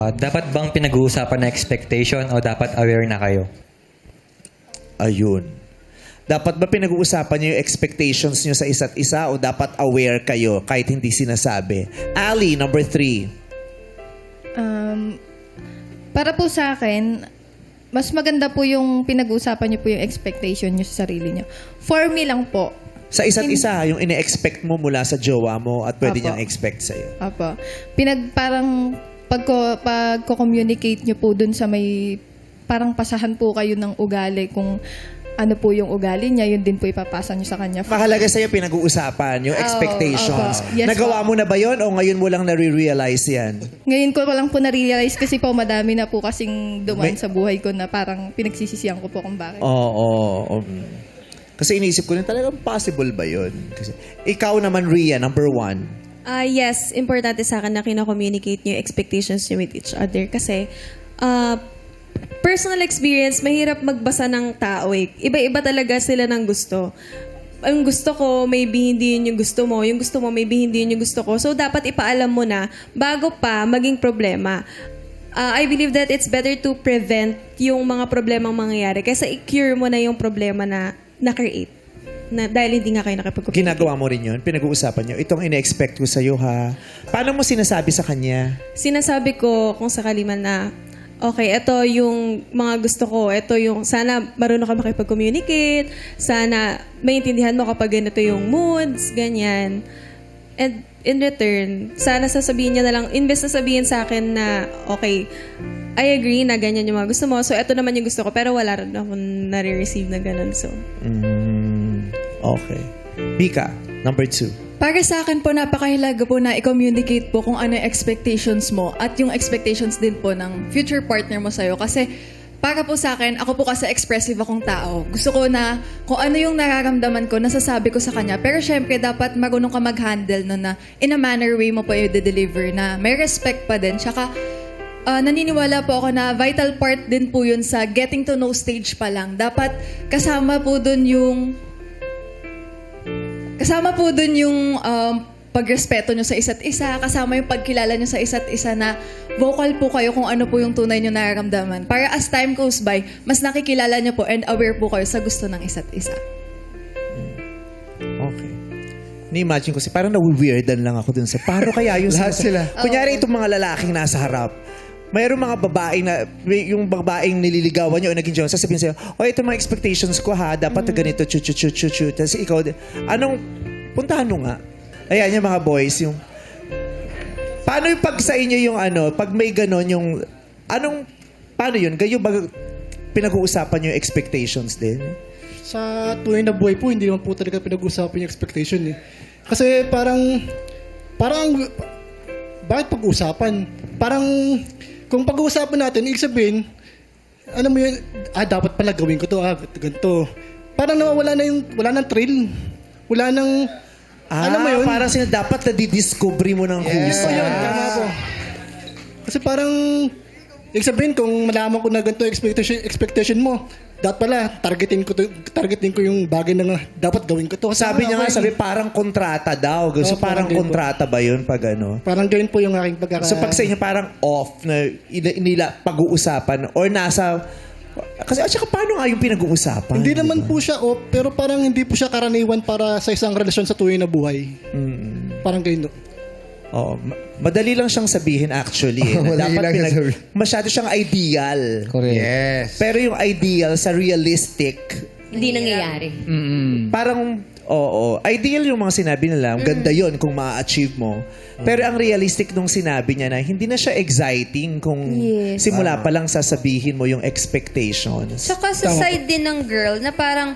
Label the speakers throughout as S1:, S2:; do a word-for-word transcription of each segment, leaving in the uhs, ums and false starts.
S1: Uh, dapat bang pinag-uusapan na expectation o dapat aware na kayo?
S2: Ayun. Dapat ba pinag-uusapan niyo yung expectations niyo sa isa't isa o dapat aware kayo kahit hindi sinasabi? Ali, number three.
S3: Um, para po sa akin, mas maganda po yung pinag-uusapan niyo po yung expectation niyo sa sarili niyo. For me lang po.
S2: Sa isa't
S3: Hin-
S2: isa, yung ine-expect mo mula sa jowa mo at pwede
S3: Apo.
S2: niyang expect sa'yo.
S3: Apo. Pinag, parang, pagko, pagko-communicate niyo po dun sa may, parang pasahan po kayo ng ugali kung ano po yung ugali niya, yun din po ipapasa niyo sa kanya.
S2: Mahalaga sa'yo pinag-uusapan yung
S3: Oo,
S2: expectations.
S3: opo. Yes,
S2: Nagawa
S3: po.
S2: mo na ba yun o ngayon mo lang nare-realize yan?
S3: Ngayon ko lang po na-realize kasi po madami na po kasing dumaan
S2: May-
S3: sa buhay ko na parang pinagsisisihan ko po kung bakit.
S2: Oo. oo, oo. Kasi iniisip ko rin talagang possible ba yun? Kasi, ikaw naman, Rhea, number one.
S4: Ah, yes, importante sa akin na kina-communicate niyo yung expectations niyo with each other. Kasi, ah, personal experience, mahirap magbasa ng tao eh. Iba-iba talaga sila ng gusto. Ang gusto ko, maybe hindi yun yung gusto mo. Yung gusto mo, maybe hindi yun yung gusto ko. So, dapat ipaalam mo na bago pa maging problema. Ah, I believe that it's better to prevent yung mga problemang mangyayari kaysa i-cure mo na yung problema na na-create. Na, dahil hindi nga kayo nakipag-communicate.
S2: Ginagawa mo rin yun? Pinag-uusapan nyo? Itong ine-expect ko sa'yo, ha? Paano mo sinasabi sa kanya?
S4: Sinasabi ko kung sakali man na, okay, ito yung mga gusto ko. Ito yung, sana marunong ka makipag-communicate. Sana maintindihan mo kapag ganito yung moods, ganyan. And in return, sana sasabihin niya na lang, imbes na sabihin sa akin na, okay, I agree na ganyan yung mga gusto mo. So, ito naman yung gusto ko. Pero wala rin ako nare-receive na ganun. So,
S2: Mm, okay. Pika, number two.
S5: Para sa akin po, napakahalaga po na i-communicate po kung ano yung expectations mo at yung expectations din po ng future partner mo sa'yo. Kasi para po sa akin, ako po kasi expressive akong tao. Gusto ko na kung ano yung nararamdaman ko, nasasabi ko sa kanya. Pero syempre, dapat marunong ka mag-handle no, na in a manner way mo po i-deliver na may respect pa din. Tsaka, Ah, naniniwala po ako na vital part din po yun sa getting to know stage pa lang. Dapat kasama po dun yung kasama po dun yung um, pagrespeto nyo sa isa't isa, kasama yung pagkilala nyo sa isa't isa na vocal po kayo kung ano po yung tunay nyo nararamdaman. Para as time goes by, mas nakikilala nyo po and aware po kayo sa gusto ng isa't isa.
S2: Okay. Ni-imagine ko si parang na-weirdan lang ako dun sa paano kaya yung
S6: Lahat sila.
S2: Kunyari itong mga lalaking nasa harap. Mayroong mga babaeng na, may- yung babaeng nililigawan niyo o naging jowa, sasabihin sa'yo, o ito mga expectations ko ha, dapat na ganito, chu chu chu chu chu. Tapos ikaw, anong, puntahan mo nga. Ayan yung mga boys, yung, paano yung pag sa inyo yung ano, pag may ganon yung, anong, paano yun? Kayo ba pinag-uusapan yung expectations din?
S6: Sa tunay na buhay po, hindi naman po talaga pinag-usapan yung expectation eh. Kasi parang, parang, bakit pag-usapan? Parang, kung pag-uusapan natin, ibig sabihin, alam mo yun, ah, dapat pala gawin ko to, ah, ganito. Parang nawawala na yung, wala nang thrill. Wala nang,
S2: Ah,
S6: alam mo yun?
S2: parang sila dapat na didiscovery mo ng
S6: Yes.
S2: kusa.
S6: yun, tama po. Kasi parang, ibig sabihin, kung malaman ko na ganito expectation, expectation mo, dapat pala, targetin ko, to, targetin ko yung bagay na nga, dapat gawin ko to. Kasi
S2: Sabi niya nga,
S6: ako
S2: sabi
S6: yun.
S2: parang kontrata daw. So
S6: Oh,
S2: parang
S6: parang ganun po.
S2: kontrata ba yun pag ano?
S6: Parang ganyan po yung aking pagkaka...
S2: So pag sa inyo parang off na ila- nila pag-uusapan or nasa... Kasi at saka paano nga yung pinag-uusapan?
S6: Hindi
S2: di
S6: naman
S2: ba?
S6: po siya off, pero parang hindi po siya karaniwan para sa isang relasyon sa tunay na buhay.
S2: Mm.
S6: Parang ganyan.
S2: Oo. Ma- madali lang siyang sabihin actually. Eh, na
S7: Madali lang
S2: pinag-
S7: sabihin.
S2: masyado siyang ideal.
S7: Correct.
S6: Yes.
S2: Pero yung ideal sa realistic,
S8: Hindi nangyayari.
S2: parang, oo, ideal yung mga sinabi nila. Ang ganda yon kung ma-achieve mo. Pero ang realistic nung sinabi niya na hindi na siya exciting kung
S8: Yes.
S2: simula pa lang sasabihin mo yung expectations.
S8: Tsaka sa side din ng girl na parang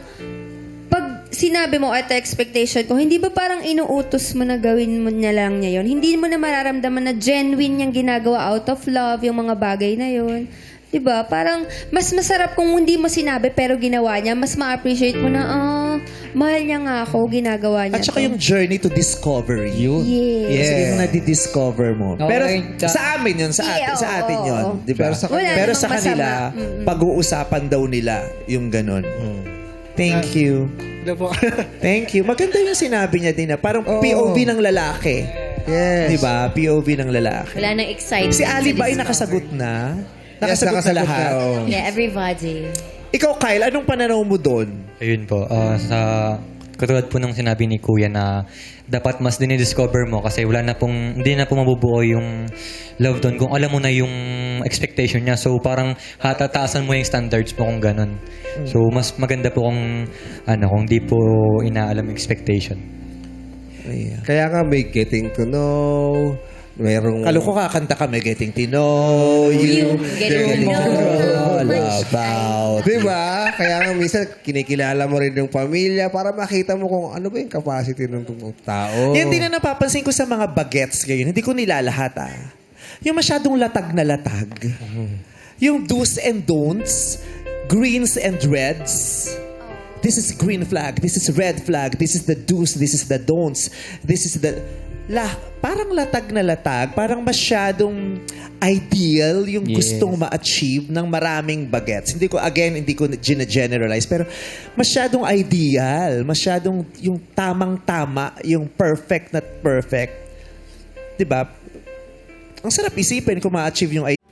S8: pag sinabi mo at expectation ko, hindi ba parang inuutos mo na gawin mo niya lang niya yun? Hindi mo na mararamdaman na genuine niyang ginagawa out of love yung mga bagay na yun. Diba? Parang mas masarap kung hindi mo sinabi pero ginawa niya. Mas ma-appreciate mo na, ah, mahal niya nga ako, ginagawa niya
S2: At saka
S8: to.
S2: yung journey to discovery.
S7: Yun.
S8: Yes.
S2: Kasi yung nadi-discover mo.
S7: Okay.
S2: Pero
S7: Ta-
S2: sa amin yun, sa atin,
S8: Yeah,
S2: sa atin
S8: oo,
S2: yun.
S8: oo.
S2: Di ba?
S7: Pero sa
S8: Wala
S2: Pero
S8: namang
S2: sa kanila,
S8: masama. Mm-mm.
S2: pag-uusapan daw nila yung ganun. Thank you.
S6: Diba po?
S2: Thank you. Maganda yung sinabi niya din na parang P O V ng lalaki.
S7: Yes.
S2: Di ba? P O V ng lalaki.
S9: Wala nang excitement.
S2: Si Ali ba ay
S9: to discover.
S2: nakasagot na?
S7: Yes,
S2: Nakasagot, na
S7: nakasagot
S2: lahat?
S7: na, oo.
S9: Yeah, everybody.
S2: Ikaw, Kyle, anong pananaw mo doon?
S1: Ayun po, ah, sa katulad po ng sinabi ni Kuya na dapat mas dinidiscover mo kasi wala na pong, hindi na po mabubuo yung love doon kung alam mo na yung expectation niya. So parang hatataasan mo yung standards mo kung ganun. So mas maganda po kung ano, kung di po inaalam yung expectation.
S2: Ayan.
S7: Kaya nga may getting to know, mayroong...
S2: Kalo ko kakanta kami, Getting to Know You.
S9: Getting to know.
S7: all about. Diba? Kaya nga minsan kinikilala mo rin yung pamilya para makita mo kung ano ba yung capacity ng tao.
S2: Yan din na napapansin ko sa mga bagets ngayon. Hindi ko nilalahat ah. Yung masyadong latag na latag. Yung do's and don'ts, greens and reds. This is green flag, this is red flag, this is the do's, this is the don'ts, this is the... La, parang latag na latag, parang masyadong ideal yung
S1: Yes.
S2: gustong ma-achieve ng maraming bagets. Hindi ko, again, hindi ko gina-generalize, pero masyadong ideal, masyadong yung tamang-tama, yung perfect na perfect. Diba? Ang sarap isipin kung ma-achieve yung